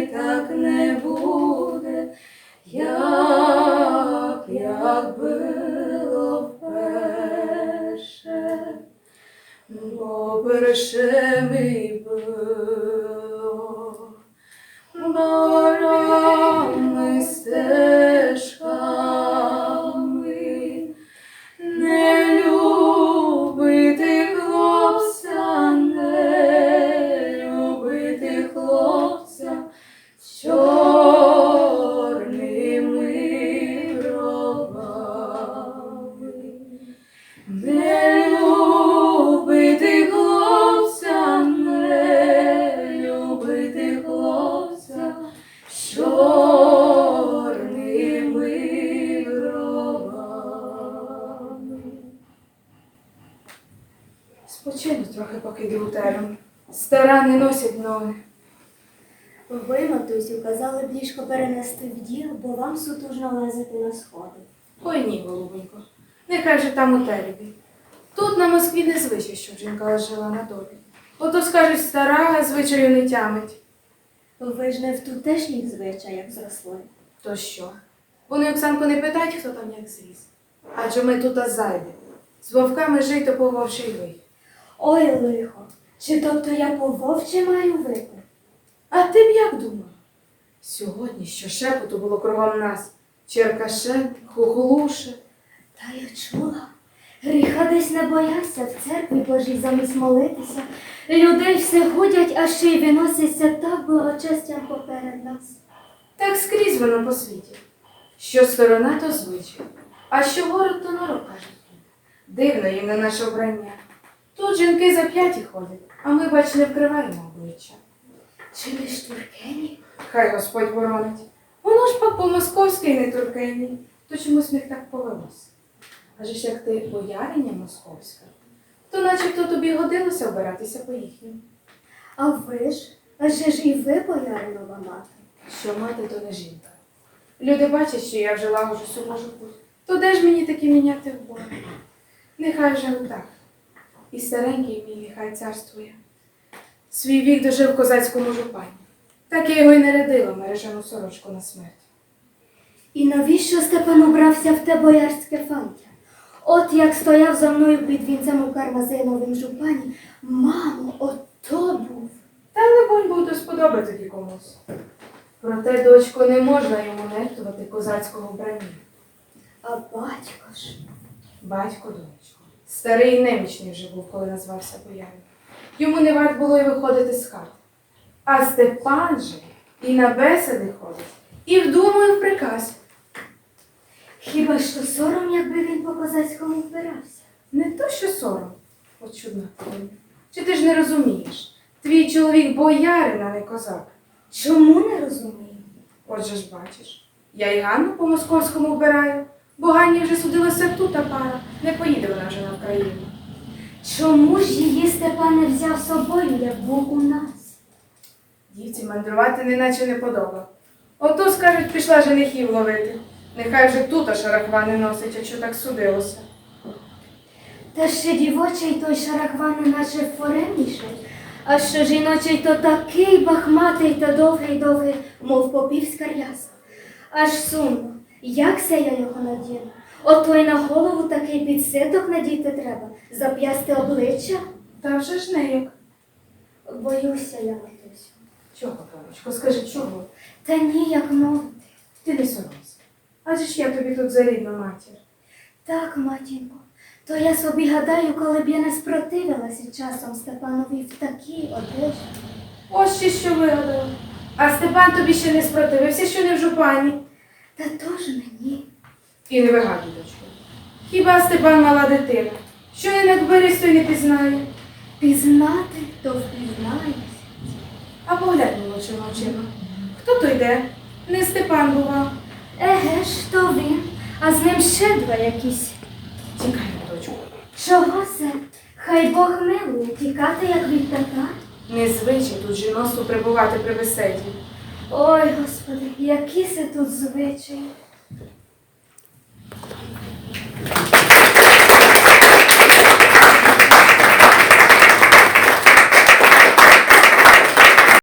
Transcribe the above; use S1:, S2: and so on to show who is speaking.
S1: так не буде, як було вперше. Бо перше ми було барами стежками, не любити хлопця, не любити хлопця з чорними бровами, не любити хлопця, не любити хлопця з чорними бровами.
S2: Спочину трохи, поки йду у терен. Стара не носять ноги.
S3: Ви, матусю, казали б ліжко перенести в діл, бо вам сутужно лазити на сходи.
S2: Ой ні, голубонько, нехай же там у теребі. Тут на Москві не звичай, щоб жінка лежала на долі. Ото, скажуть, стара звичаю не тямить.
S3: Ви ж не в тутешніх звичаях зросли.
S2: То що? Вони Оксанку не питають, хто там як зріс. Адже ми тут зайде. З вовками жито по вовчий вий.
S3: Ой, лихо, чи тобто я по вовче маю вити?
S2: А ти б як думав? Сьогодні що шепоту було кругом нас. Черкаше, хухолуше.
S3: Та я чула. Гріха десь не боявся в церкві Божій замість молитися. Людей все ходять, а ще й виносяться так благочестям поперед нас.
S2: Так скрізь воно по світі. Що сторона, то звичай, а що город, то народ, кажуть. Дивно їм на наше обрання. Тут жінки зап'яті ходять, а ми, бач, не вкриваємо обличчя.
S3: Чи не штуркені?
S2: Хай Господь боронить. Воно ж пак по-московськи не туркені, то чомусь в них так повелося. Адже ж як ти бояриня московська, то начебто тобі годилося обиратися по їхньому.
S3: А ви ж? Адже ж і ви бояринова мати.
S2: Що мати, то не жінка. Люди бачать, що я вже лагоджу суму путь. То де ж мені таки міняти в Бога? Нехай вже отак. І старенький мій нехай царствує. Свій вік дожив в козацькому жупані. Так я його й не рядила мережану сорочку на смерть.
S3: І навіщо Степан убрався в те боярське фантя? От як стояв за мною під вінцем у Кармазиновім жупані, мамо, ото був.
S2: Та, либонь, був до сподоби тоді комусь. Проте, дочко, не можна йому нехтувати козацького вбрання.
S3: А батько ж.
S2: Батько, донечко, старий і немічний вже був, коли назвався боярин. Йому не варт було й виходити з хати. А Степан же і на бесіди ходить, і вдумує в приказ.
S3: Хіба що сором, якби він по козацькому вбирався?
S2: Не то, що сором. От чудна хвилина. Чи ти ж не розумієш? Твій чоловік боярин, а не козак.
S3: Чому не розумію?
S2: Отже ж бачиш, я й Ганну по-московському вбираю, бо Ганні вже судилася тут та пара, не поїде вона вже на Україну.
S3: Чому ж її Степан не взяв з собою, як був у нас?
S2: Дівці мандрувати неначе не подоба. Ото, скажуть, пішла женихів ловити. Нехай вже тут шарахвани носить, якщо так судилося.
S3: Та ще дівочий той шарахван наче форемніший, а що жіночий то такий бахматий та довгий-довгий, мов попівська ряса. Аж сумно, як се я його надіну? Ото й на голову такий підситок надіти треба, зап'ясти обличчя.
S2: Та вже ж не як.
S3: Боюся я, матусю.
S2: Чого, паночко, скажи, чого?
S3: Та ніяк мовити.
S2: Ти не соромся. Адже ж я тобі тут за рідну матір.
S3: Так, матінко, то я собі гадаю, коли б я не спротивилася часом Степанові в такій одежі.
S2: Ось ще що вигадала. А Степан тобі ще не спротивився, що не в жупані.
S3: Та тож мені.
S2: І не вигадуй, дочко. Хіба Степан мала дитина? Що я не берись, то й не пізнає.
S3: Пізнати, то впізнаєш.
S2: А поглянь молодшими очима. Хто то йде? Не Степан бував.
S3: Еге ж, то він, а з ним ще два якісь.
S2: Тікаймо, дочку.
S3: Чого це? Хай Бог милує, тікати, як від татар.
S2: Незвичай тут жіноцтву прибувати при беседі.
S3: Ой, Господи, які це тут звичаї.